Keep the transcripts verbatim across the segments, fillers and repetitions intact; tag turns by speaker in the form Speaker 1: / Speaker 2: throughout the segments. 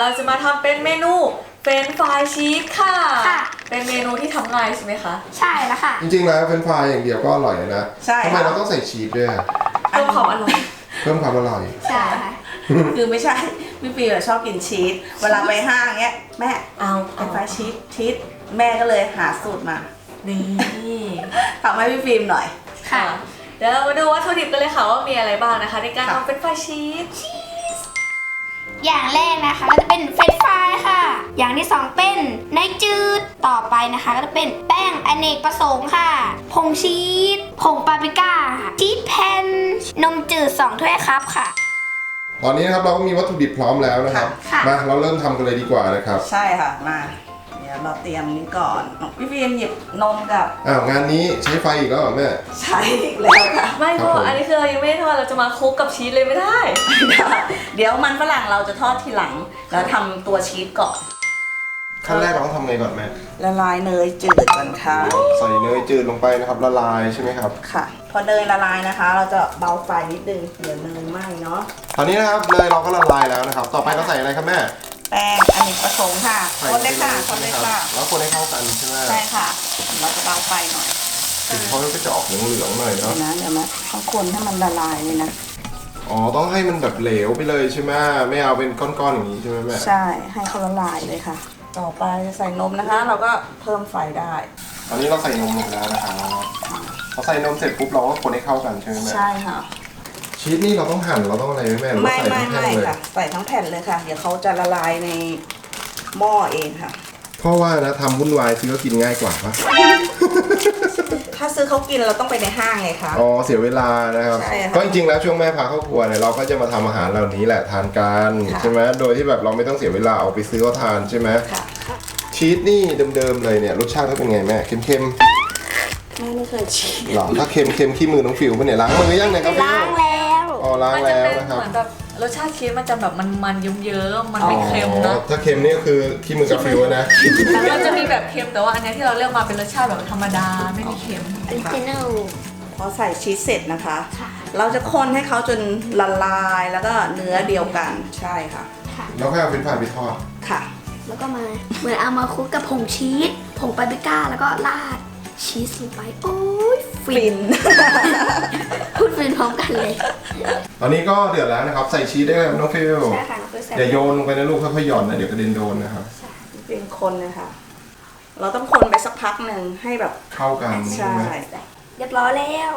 Speaker 1: เราจะมาทำเป็นเมนูเฟรนช์ฟรายชีสค่ะเป็นเมนูที่ทำง่ายใช่ไหมคะ
Speaker 2: ใช่แล้วค่ะ
Speaker 3: จริงๆแล้วเฟรนช์ฟรายอย่างเดียวก็อร่อยนะ
Speaker 4: ใช่
Speaker 3: ทำไมเราต้องใส่ชีสด้วย
Speaker 1: เพิ่มความอร่อย
Speaker 3: เพิ่มความอร่อย
Speaker 2: ใช่ค่ะ
Speaker 4: คือไม่ใช่พี่ปีชอบกินชีสเวลาไปห้างเงี้ยแม่
Speaker 1: เอา
Speaker 4: เฟรนช์ฟรายชีสชีสแม่ก็เลยหาสูตรมา
Speaker 1: นี่
Speaker 4: ทำให้พี่ฟิล์มหน่อย
Speaker 1: ค่ะเดี๋ยวเรามาดูวัตถุดิบกันเลยค่ะว่ามีอะไรบ้างนะคะในการทำเฟรนช์ฟรายชีส
Speaker 2: อย่างแรกนะคะก็จะเป็นเฟรนช์ฟรายค่ะอย่างที่สองเป็นเนยจืดต่อไปนะคะก็จะเป็นแป้งอเนกประสงค์ค่ะผงชีสผงปาปริก้าชีสแผ่นนมจืดสองถ้วยครับค่ะ
Speaker 3: ตอนนี้นะครับเราก็มีวัตถุดิบพร้อมแล้วนะครับมาเราเริ่มทำกันเลยดีกว่านะครับ
Speaker 4: ใช่ค่ะมาเดี๋ยวเราเตรียมนี้ก่อนพี่ฟิล์มหยิบนมกับ
Speaker 3: อ้าวงานนี้ใช้ไฟอีกแล้วเหรอแม่
Speaker 4: ใช่อีกแล้วค่ะ
Speaker 1: ไม่เพราะอันนี้คือเรายังไม่ได้ทอดเราจะมาคลุกกับชีสเลยไม่ได้
Speaker 4: เดี๋ยวมันฝรั่งเราจะทอดทีหลังแล้วทำตัวชีสก่อน
Speaker 3: ขั้นแรกเราต้องทำไงก่อนแม่
Speaker 4: ละลายเนยจืดก่อนค่ะ
Speaker 3: ใส่เนยจืดลงไปนะครับละลายใช่ไหมครับ
Speaker 4: ค่ะพอเนยละลายนะคะ เราจะเบาไฟนิดนึงเดี๋ยวเนยไหม้เนาะ
Speaker 3: ตอนนี้นะครับเนยเราก็ละลายแล้วนะครับต่อไปเราใส่อะไรครับแม่
Speaker 4: แป้งอเนกประสงค์ค่ะคนเลยค่ะคนเลยค่ะ
Speaker 3: แล้วคนให้เข้ากันใช่ไหม
Speaker 4: ใช่ค่ะเราจะเบาไฟหน่อย
Speaker 3: ถึงเขาก็จะออกเหลืองๆหน่อยเนาะ
Speaker 4: นะเดี๋ยวนะต้องคนให้มันละลายเลยนะ
Speaker 3: อ๋อต้องให้มันแบบเหลวไปเลยใช่ไหมไม่เอาเป็นก้อนๆอย่างนี้ใช่ไหมแม่
Speaker 4: ใช่ให้เขาละลายเลยค่ะต่อไปจะใส่นมนะคะเราก็เพิ่มไฟได้
Speaker 3: ตอนนี้เราใส่นมลงแล้วนะครับพอใส่นมเสร็จปุ๊บเราก็คนให้เข้ากันใช่ไหมแม่
Speaker 4: ใช่ค่ะ
Speaker 3: ชีสนี่เราต้องหั่นเราต้องอะไรไหมแม่หรือว่าใส่ทั้งแผ่นเลย
Speaker 4: ค่ะใส่ทั้งแผ่นเลยค่ะเดี๋ยวเขาจะละลายในหม้อเองค่ะ
Speaker 3: เพราะว่านะทำวุ่นวายซื้อก็กินง่ายกว่าปะ
Speaker 4: ถ้าซื้อเขากินเราต้องไปในห้างไงคะ
Speaker 3: อ๋อเสียเวลานะครับก็จริงๆแล้วช่วงแม่พาเข้าครัวเนี่ยเราก็จะมาทำอาหารเหล่านี้แหละทานกันใช่ไหมโดยที่แบบเราไม่ต้องเสียเวลาเอาไปซื้อเขาทานใช่ไหมชีสนี่เดิมๆเลยเนี่ยรสชาติเขาเป็นไงแม่เค็มๆ
Speaker 4: แม่ไม่เคยชิม
Speaker 3: หรอถ้าเค็มเค็มขี้มือน้องฟิวเป็นเนี่ยล้างมือยังเนี่ยครับ
Speaker 2: ล้างแล้ว
Speaker 3: อ๋อล้างแล้วนะครับ
Speaker 1: เหมือนแบบรสชาติชีสมันจะแบบมันๆเยิ้มๆมันไม่เค็มนะ
Speaker 3: ถ้าเค็มนี่ก็คือขี้มือกาฟิวนะ
Speaker 1: มันจะมีแบบเค็มแต่ว่าอันนี้ที่เราเลือกมาเป็นรสชาติแบบธรรมดาไม่มีเค็ม
Speaker 2: ออริจินัล
Speaker 4: พอใส่ชีสเสร็จนะคะเราจะคนให้เขาจนละลายแล้วก็เนื้อเดียวกันใช่ค่ะ
Speaker 3: แล้วค่อยเอาเฟรนช์ฟรายไปทอด
Speaker 4: ค่ะ
Speaker 2: แล้วก็มาเหมือนเอามาคลุกกับผงชีสผงปาปริก้าแล้วก็ราดชีสลงไปโอ้ยฟินพูดฟินพร้อมกันเลย
Speaker 3: ตอนนี้ก็เดือดแล้วนะครับใส่ชีสได้เลยน้องฟิว
Speaker 2: ใช่ค่ะน้องฟิวใส่
Speaker 3: อย่าโยนลงไปนะลูกค่อยๆหย่อนนะเดี๋ยวกระเด็นโดนนะครับ
Speaker 4: เป็นคนเลยค่ะเราต้องคนไปสักพักหนึ่งให้แบบ
Speaker 3: เข้ากัน
Speaker 4: ใช่
Speaker 2: เรียบร้อยแล้ว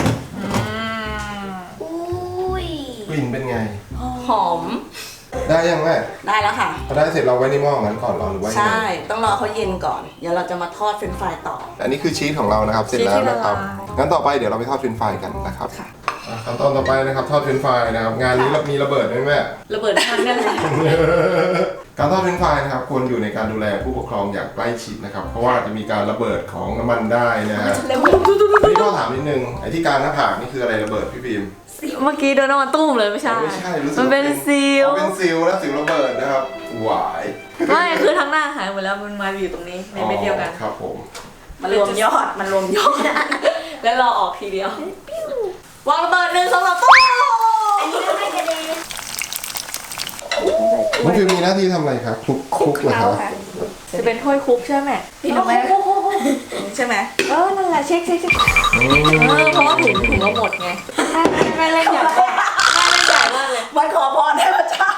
Speaker 2: อุ้ย
Speaker 3: กลิ่นเป็นไง
Speaker 4: หอม
Speaker 3: ได้ยังแม่
Speaker 4: ได้แล้วค่ะ
Speaker 3: พอได้เสร็จเราไว้ในหม้องั้นก่อนรอหรือว่า
Speaker 4: ใช่ต้องรอเขาเย็นก่อนเดี๋ยวเราจะมาทอดเฟรนช์ฟรายต่อ
Speaker 3: อันนี้คือชีสของเรานะครับเสร็จแล้วนะครับงั้นต่อไปเดี๋ยวเราไปทอดเฟรนช์ฟรายกันนะครับขั้นตอนต่อไปนะครับทอดเฟรนช์ฟรายนะครับงานนี้มีระเบิดไหมแม่
Speaker 1: ระเบิดทั้งนั้นเลย
Speaker 3: การทอดเฟรนช์ฟรายนะครับควรอยู่ในการดูแลผู้ปกครองอย่างใกล้ชิดนะครับเพราะว่าจะมีการระเบิดของน้ำมันได้นะฮะนี่ก็ถามนิดนึงไอ้ที่การหน้าผากนี่คืออะไรระเบิดพี่พิม
Speaker 1: เมื่อกี้โดนน้ำมันตุ้มเลยไม่ใช่
Speaker 3: ไม่ใช่
Speaker 1: มันเป็นซิล
Speaker 3: เป็นซิลแล้วซิลระเบิดนะครับหวาย
Speaker 1: ไม่คือทั้งหน้าหายหมดแล้วมันมาอยู่ตรงนี้ในเม็ดเดียวกัน
Speaker 3: ครับผม
Speaker 4: มันรวมยอดมันรวมยอด
Speaker 1: แล้วรอออกทีเดียววางระเบิดหนึ่งสองสามตุ้ม
Speaker 2: อันนี้ไม่กระเด็น
Speaker 3: มันคือมีหน้าที่ทำอะไรครับคลุกคลุกเหรอครับ
Speaker 1: จะเป็นถ้วยคุกใช่ไหมพี่รู้ไหม
Speaker 4: ใช่ไหม
Speaker 1: เออนั่นแหละเช็คเช็คเช็คเออเพราะว่าถุงถุงเราหมดไงไม่เล่นใหญ่ไม่เล่นใหญ่มากเลย
Speaker 4: มันขอพรให้พระเจ้า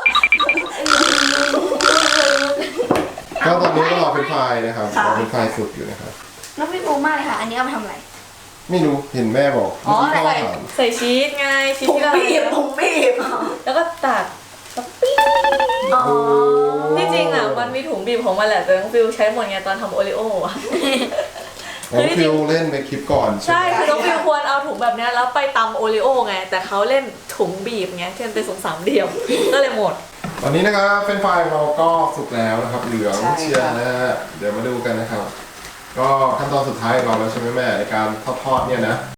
Speaker 3: ก็ตอนนี้ก็รอเป็นไฟนะครับรอเป็นไฟสุดอยู่นะครับ
Speaker 2: น้องพี่รู้มากเลยค่ะอันนี้เอาไปทำอะไร
Speaker 3: ไม่รู้เห็นแม่บอก
Speaker 1: อ๋อใส่ใส่ชีสไงชีส
Speaker 4: ที่เราบีบผงบีบ
Speaker 1: แล้วก็ตัดปี๊ที่จริงอ่ะมันมีถุงบีบของมันแหละแต่น้องฟิวใช้หมดไงตอนทำโอริโอ้
Speaker 3: น้องฟิวเล่นไปคลิปก่อน
Speaker 1: ใช่คือน้องฟิวควรเอาถุงแบบนี้แล้วไปตำโอริโอ้ไงแต่เขาเล่นถุงบีบไงที่มันเป็นสองสามเดียวก็เลยหมด
Speaker 3: ตอนนี้นะครับเฟรนช์ฟรายเราก็สุกแล้วนะครับเหลืองเชียร์นะฮะเดี๋ยวมาดูกันนะครับก็ขั้นตอนสุดท้ายของเราแล้วใช่ไหมแม่ในการทอดๆเนี่ยนะ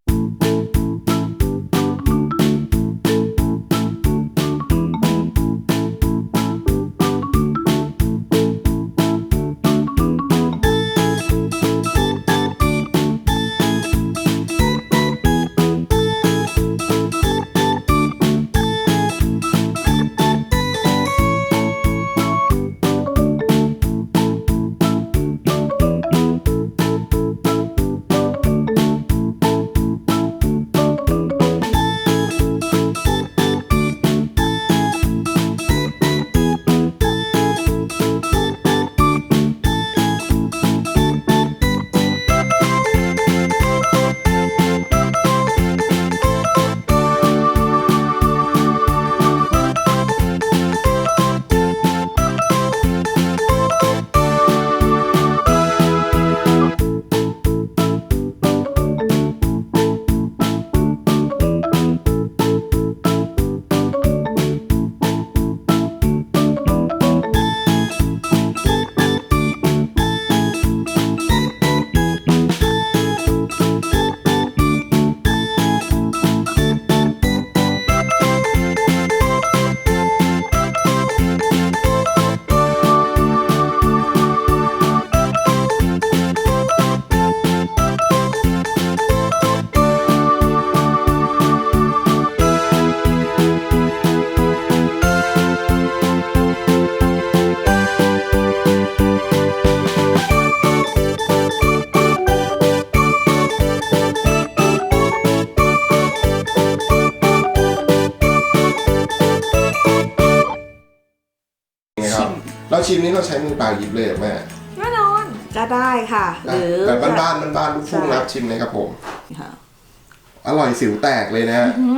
Speaker 3: เราชิมนี้เราใช้มือเปล่าหยิบเลยเหรอแม่
Speaker 1: แน่นอน
Speaker 4: ก็ได้ค่ะ หรือ
Speaker 3: แบบบ้านๆบ้านๆลูกทุ่งนะครับชิมเลยครับผม
Speaker 4: ค่ะ
Speaker 3: อร่อยสิวแตกเลยนะ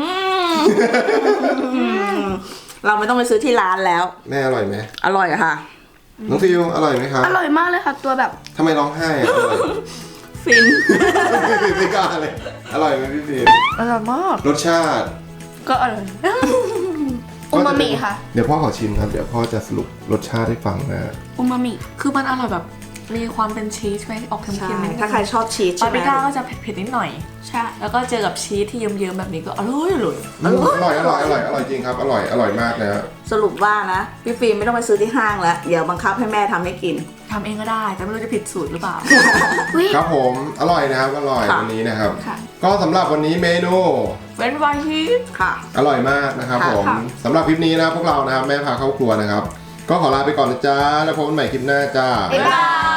Speaker 4: เราไม่ต้องไปซื้อที่ร้านแล้ว
Speaker 3: แม่อร่อยไหม
Speaker 4: อร่อยอะค่ะ
Speaker 3: น้องฟิวอร่อยไหมครับ
Speaker 2: อร่อยมากเลยค่ะ ตัวแบบ
Speaker 3: ทำไมร้องไห้อะอร่อย
Speaker 4: ฟิน
Speaker 3: ไม่กล้าเลยอร่อยไหมพี่ฟิว
Speaker 1: อร่อยมาก
Speaker 3: รสชาติ
Speaker 1: ก็อร่อย
Speaker 2: อูมามิค่ะ
Speaker 3: เดี๋ยวพ่อขอชิมครับเดี๋ยวพ่อจะสรุปรสชาติให้ฟังนะ
Speaker 2: อูมามิ
Speaker 1: คือมันอร่อยแบบมีความเป็นชีสไหมออกเค็
Speaker 4: ใช่
Speaker 1: มๆนิดนึง
Speaker 4: ถ้าใครชอบชีส
Speaker 1: ปา
Speaker 4: ใช่
Speaker 1: ป
Speaker 4: ไหม
Speaker 1: ริก้าก็จะเผ็ดๆนิดหน่อย
Speaker 2: ใช่
Speaker 1: แล้วก็เจอกับชีสที่เยิ้มๆแบบนี้ก็อร่อยอร่อย
Speaker 3: อร่อยอร่อยอร่อยอร่อยจริงครับอร่อยอร่อยมากนะ
Speaker 4: สรุปว่านะพี่ฟิล์มไม่ต้องไปซื้อที่ห้างแล้ว เดี๋ยวบังคับให้แม่ทำให้กิน
Speaker 1: ทำเองก็ได้ แต่ไม่รู้จะผิดสูตรหรือเปล่า
Speaker 3: ครับผมอร่อยนะครับอร่อย
Speaker 4: ค่ะ
Speaker 3: วันนี้นะครับ
Speaker 2: ค่ะ
Speaker 3: ก็สำหรับวันนี้เมนู
Speaker 1: เฟรนช์ฟรายชีส
Speaker 4: ค่ะ
Speaker 3: อร่อยมากนะครับ
Speaker 4: ค่ะ
Speaker 3: ผม
Speaker 2: ค่ะ
Speaker 3: สำหรับคลิปนี้นะพวกเรานะครับแม่พาเข้าครัวนะครับ ก็ขอลาไปก่อนนะจ๊ะแล้วพบกันใหม่คลิปหน้าจ้า
Speaker 2: บ๊ายบาย